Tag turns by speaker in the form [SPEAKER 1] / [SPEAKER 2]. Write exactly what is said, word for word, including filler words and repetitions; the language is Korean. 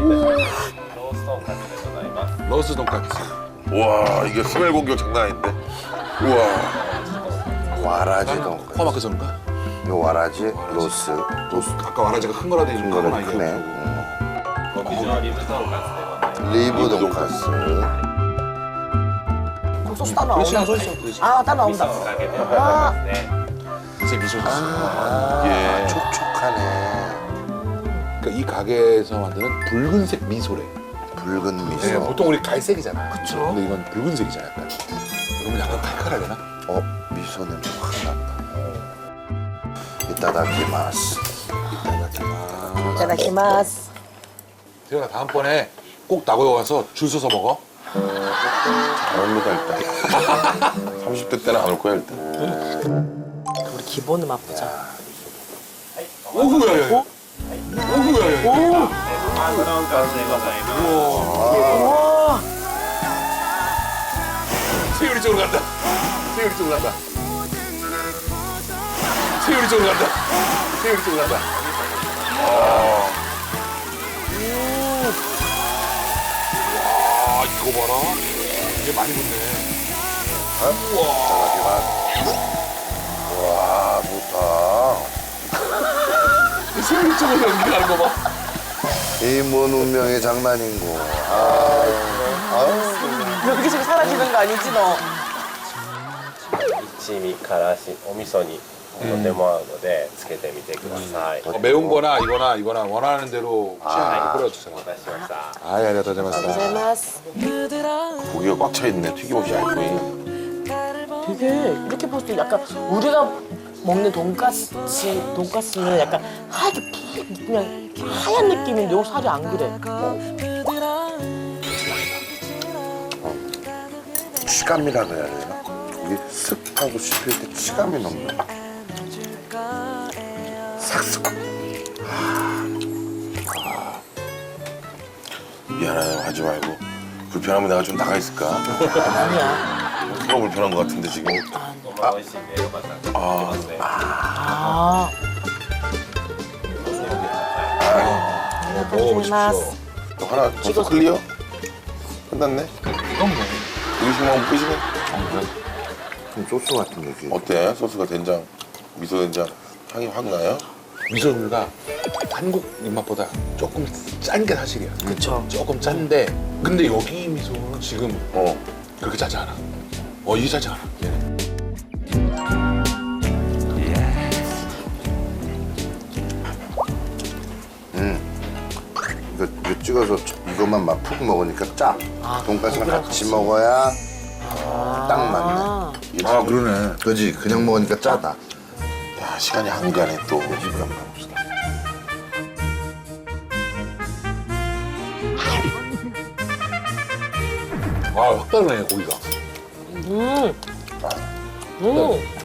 [SPEAKER 1] 로스 돈까스.
[SPEAKER 2] 우와, 이게 스멜 공격 장난 아닌데. 우와.
[SPEAKER 3] 와라지 돈.
[SPEAKER 1] 코마크 선가?
[SPEAKER 3] 요 와라지 로스.
[SPEAKER 1] 로스. 아까 와라지가 큰 거라더니 좀
[SPEAKER 3] 이거는
[SPEAKER 1] 크구나, 이게.
[SPEAKER 3] 크네. 음. 리브 돈가스.
[SPEAKER 4] 소스 따로 나온다. 아, 따로 나온다. 아,
[SPEAKER 1] 이제 미소 소스.
[SPEAKER 3] 아,
[SPEAKER 2] 예.
[SPEAKER 3] 촉촉하네.
[SPEAKER 1] 그러니까 이 가게에서 만드는 붉은색 미소래.
[SPEAKER 3] 붉은 미소.
[SPEAKER 1] 네, 보통 우리 갈색이잖아.
[SPEAKER 4] 그쵸.
[SPEAKER 1] 근데 이건 붉은색이잖아, 약간. 그러면 약간 칼칼하려나?
[SPEAKER 3] 어, 미소 냄새 확 난다. 이따다키마스.
[SPEAKER 4] 이따다키마스.
[SPEAKER 1] 태연아, 다음번에 꼭 나고요 와서 줄 서서 먹어.
[SPEAKER 2] 잘합니다, 일단. 삼십 대 때는 안 올 거야, 일단.
[SPEAKER 4] 우리 기본을 맛보자.
[SPEAKER 1] 오구야, 야, 야. 오구야, 야, 야.
[SPEAKER 4] 우와.
[SPEAKER 1] 세율이 쪽으로 간다. 세율이 쪽으로 간다. 세율이 쪽으로 간다. 세율이 쪽으로 간다. 와, 이거 봐라. 이게 많이 붙네.
[SPEAKER 3] 와, 좋다.
[SPEAKER 1] 세율이 쪽으로 연기하는 거 봐.
[SPEAKER 3] 이 뭔 운명의 장난인고. 아,
[SPEAKER 4] 여기저기 사라지는 거 아니지, 너?
[SPEAKER 5] 一味からしお味噌にとても合うのでつけてみてください。
[SPEAKER 1] 어, 매운 거나 이거나 이거나 원하는 대로 취향에 뿌려주세요.
[SPEAKER 5] お待たせしました。
[SPEAKER 1] 아, 아리가또 고자이마스다.
[SPEAKER 4] 고자이마스.
[SPEAKER 2] 고기가 꽉 차 있네, 튀김없이 얇고.
[SPEAKER 4] 되게 이렇게 봤을 때 약간 우리가 먹는 돈가스, 돈가스는 약간 하얗게 푹 그냥 하얀 느낌인데 여기 살이 안 그래.
[SPEAKER 3] 치감이라 그래야 되나? 이게 습하고 씹힐 때 치감이 넘나? 삭삭.
[SPEAKER 2] 미안해요, 하지 말고. 불편하면 내가 좀 나가 있을까?
[SPEAKER 4] 아니야.
[SPEAKER 2] 누가 불편한 것 같은데, 지금.
[SPEAKER 5] まあ美味しいんでよかったらつけてますね。
[SPEAKER 4] 아. 고자이마스.
[SPEAKER 2] 너 하나 벌써 클리어? 끝났네?
[SPEAKER 1] 이건 뭐?
[SPEAKER 2] 이거 먹으면 끝이네?
[SPEAKER 3] 좀 소스 같은 느낌.
[SPEAKER 2] 어때? 소스가 된장, 미소 된장 향이 확 나요?
[SPEAKER 1] 미소류가 한국 입맛보다 조금 짠 게 사실이야.
[SPEAKER 4] 그쵸.
[SPEAKER 1] 조금 짠데 근데 여기 미소는 지금
[SPEAKER 2] 어.
[SPEAKER 1] 그렇게 짜지 않아. 어, 이게 짜지 않아. 얘는.
[SPEAKER 3] 이거, 이거 찍어서 이것만 막 푹 먹으니까 짜. 돈가스랑 같이 먹어야 딱 맞네.
[SPEAKER 2] 아,
[SPEAKER 3] 그러네. 그지? 그냥 먹으니까 짜다.
[SPEAKER 2] 야, 시간이 한가네, 또. 한번 봅시다.
[SPEAKER 1] 아, 확 다르네, 고기가.
[SPEAKER 4] 음. 음.